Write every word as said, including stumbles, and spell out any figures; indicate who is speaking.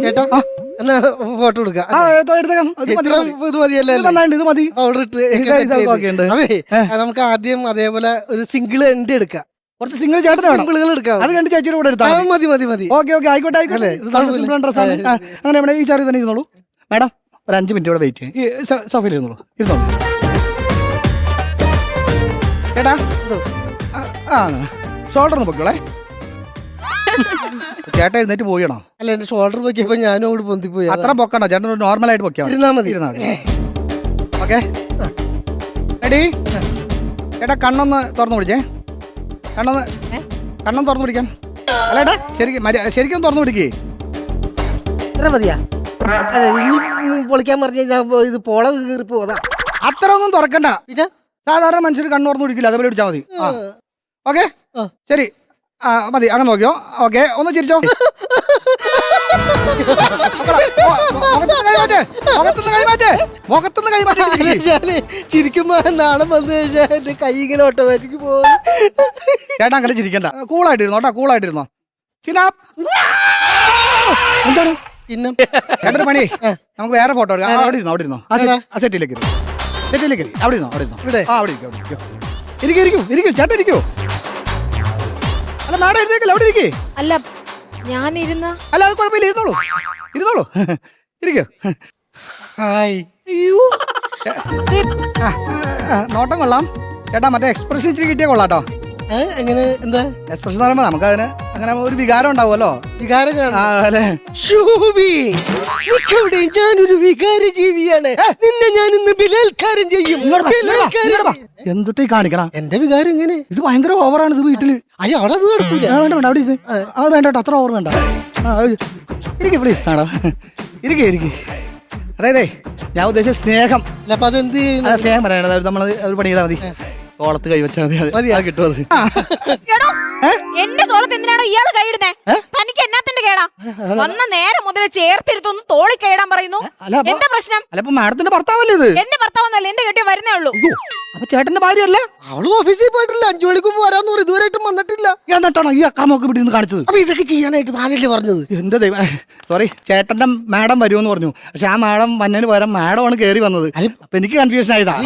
Speaker 1: ചേട്ടാ എന്നാ ഫോട്ടോ എടുക്കാം
Speaker 2: ആ എടുത്തേക്കാം.
Speaker 1: ഇത് മതിയല്ലേ?
Speaker 2: ഇത് മതി.
Speaker 1: പൗഡർ ഇട്ട് അതെ നമുക്ക് ആദ്യം അതേപോലെ ഒരു സിംഗിൾ എൻഡ് എടുക്കാം.
Speaker 2: കുറച്ച് സിംഗിൾ ചേട്ടൻ
Speaker 1: സിംഗിളുകൾ എടുക്കാം.
Speaker 2: അത് കണ്ട് ചേച്ചിയുടെ കൂടെ എടുത്താൽ
Speaker 1: മതി മതി മതി.
Speaker 2: ഓക്കെ ഓക്കെ ആയിക്കോട്ടെ ആയിക്കോട്ടെ. അങ്ങനെ ഇവിടെ ഈ ചാറി തന്നെ ഇരുന്നോളൂ. മാഡം ഒരു അഞ്ച് മിനിറ്റ് ഇവിടെ വെയിറ്റ് ചെയ്യും. ഈ സോഫയിൽ ഇരുന്നോളൂ ഇരുന്നോളൂ. ചേട്ടാ ആ ഷോൾഡർ ഒന്ന് പൊക്കോളേ. ചേട്ടൻ എഴുന്നേറ്റ് പോയണോ?
Speaker 1: അല്ല എന്റെ ഷോൾഡർ പൊക്കിയപ്പോ ഞാനും അങ്ങോട്ട് പൊന്തിപ്പോയി.
Speaker 2: അത്ര പൊക്കണ്ട ചേട്ടൻ നോർമൽ ആയിട്ട് പൊക്കിയാ
Speaker 1: ഇരുന്നാ മതി.
Speaker 2: ഇരുന്നാ മതി. ഓക്കെ എടീ ചേട്ടാ കണ്ണൊന്ന് തുറന്നു പിടിച്ചേ. കണ്ണൊന്ന് കണ്ണൊന്ന് തുറന്നു പിടിക്കാൻ. അല്ല ഏട്ടാ ശരിക്കും ശരിക്കും തുറന്നു പിടിക്കേ.
Speaker 1: ഇത്ര മതിയാ? അല്ല ഇനി പൊളിക്കാൻ പറഞ്ഞ ഇത് പോള കീറി പോതാ.
Speaker 2: അത്ര ഒന്നും തുറക്കണ്ട.
Speaker 1: പിന്നെ
Speaker 2: സാധാരണ മനുഷ്യർ കണ്ണു തുറന്നു പിടിക്കില്ല, അതേപോലെ പിടിച്ചാൽ മതി. ആ ഓക്കെ ശരി ആ മതി അങ്ങനെ നോക്കിയോ. ഓക്കെ ഒന്ന് ചിരിച്ചോ. മുഖത്തുനിന്ന് കൈമാറ്റേ.
Speaker 1: ഞാന് ചിരിക്കുമ്പോ നാളെ വന്നു കഴിഞ്ഞാൽ എന്റെ കൈ ഇങ്ങനെ ഓട്ടോമാറ്റിക് പോകും.
Speaker 2: ചേട്ടാ അങ്ങനെ ചിരിക്കണ്ട, കൂളായിട്ടിരുന്നോ കേട്ടോ, കൂളായിട്ടിരുന്നോ. ചിനാപ്പ് എന്താണ്
Speaker 1: പിന്നെ
Speaker 2: ചേട്ടൻ്റെ പണി? നമുക്ക് വേറെ ഫോട്ടോ എടുക്കാം. അവിടെ ഇരുന്നോ അവിടെ ഇരുന്നോ ആ സെറ്റിലേക്ക് സെറ്റിലേക്ക് അവിടെ ഇരുന്നോ അവിടെ ഇരുന്നോ
Speaker 1: ഇവിടെ
Speaker 2: ആ അവിടെ ഇരിക്കും ഇരിക്കും ഇരിക്കും ഇരിക്കും ചേട്ടൻ ഇരിക്കൂ. അല്ല മാഡം ഇരുന്നേക്കല്ല അവിടെ ഇരിക്കേ.
Speaker 3: അല്ല ഞാൻ ഇരുന്ന
Speaker 2: അല്ല അത് കുഴപ്പമില്ല, ഇരുന്നോളൂ ഇരുന്നോളൂ ഇരിക്കൂ.
Speaker 1: ഹായ്.
Speaker 2: നോട്ടം കൊള്ളാം ചേട്ടാ. മറ്റേ എക്സ്പ്രഷൻ ഇച്ചിരി കിട്ടിയാൽ കൊള്ളാട്ടോ.
Speaker 1: എങ്ങനെ എന്താ
Speaker 2: എക്സ്പ്രഷൻ എന്ന് പറയുമ്പോൾ നമുക്ക് അതിന് അങ്ങനെ ഒരു വികാരം ഉണ്ടാവുമല്ലോ.
Speaker 1: വികാരം
Speaker 2: അല്ലേ?
Speaker 1: ഞാനൊരു വികാര ജീവിയാണ്. നിന്നെ ഞാൻ ഇന്ന് ബലാത്കാരം ചെയ്യും.
Speaker 2: എന്തൊട്ടേ കാണിക്കണം.
Speaker 1: എന്റെ വികാരം ഇങ്ങനെ
Speaker 2: ഇത് ഭയങ്കര ഓവറാണ് ഇത് വീട്ടില്.
Speaker 1: അയ്യോ അവിടെ അത് നടക്കൂല.
Speaker 2: വേണ്ട വേണ്ട അവിടെ ഇത് അത് വേണ്ട കേട്ടോ, അത്ര ഓവർ വേണ്ട. ഇരിക്കേ പ്ലീസ് മാഡം ഇരിക്കേ ഇരിക്കേ. അതായതേ ഞാൻ ഉദ്ദേശിച്ച സ്നേഹം.
Speaker 1: അപ്പൊ അതെന്ത്
Speaker 2: സ്നേഹം പറയണത് നമ്മൾ ഒരു പണി ചെയ്താൽ മതി. തോളത്ത് കൈവച്ചാൽ മതി, മതി അത് കിട്ടും. അത്
Speaker 3: എന്റെ തോളത്ത് എന്തിനാണോ ഇയാള് കൈയിടുന്നേ? തനിക്ക് എന്നാത്തിന്റെ കേടാ? വന്ന നേരം മുതൽ ചേർത്തിരുത്തൊന്ന് തോളി കൈയിടാൻ പറയുന്നു. എന്താ പ്രശ്നം?
Speaker 2: അല്ല ഇപ്പൊ മാഡത്തിന്റെ ഭർത്താവല്ലേ ഇത്?
Speaker 3: എന്റെ ഭർത്താവൊന്നുമല്ല, എന്റെ കെട്ടിയ വരുന്നേ ഉള്ളൂ.
Speaker 2: അപ്പൊ ചേട്ടന്റെ ഭാര്യയല്ലേ?
Speaker 1: അവള് ഓഫീസിൽ പോയിട്ടില്ല, അഞ്ചു മണിക്ക് വരാന്ന് പറയും, ഇതുവരെയായിട്ടും വന്നിട്ടില്ല.
Speaker 2: എന്നിട്ടാണോ ഈ അക്രമമൊക്കെ ഇവിടെ നിന്ന് കാണിച്ചത്?
Speaker 1: അപ്പൊ ഇതൊക്കെ ചെയ്യാനായിട്ട് താനല്ലേ പറഞ്ഞത്?
Speaker 2: എന്റെ ദൈവം സോറി, ചേട്ടന്റെ മാഡം വരുമെന്ന് പറഞ്ഞു. പക്ഷെ ആ മാഡം വന്നതിന് പകരം മാഡമാണ് കയറി വന്നത്. അപ്പൊ എനിക്ക് കൺഫ്യൂഷൻ ആയതാ.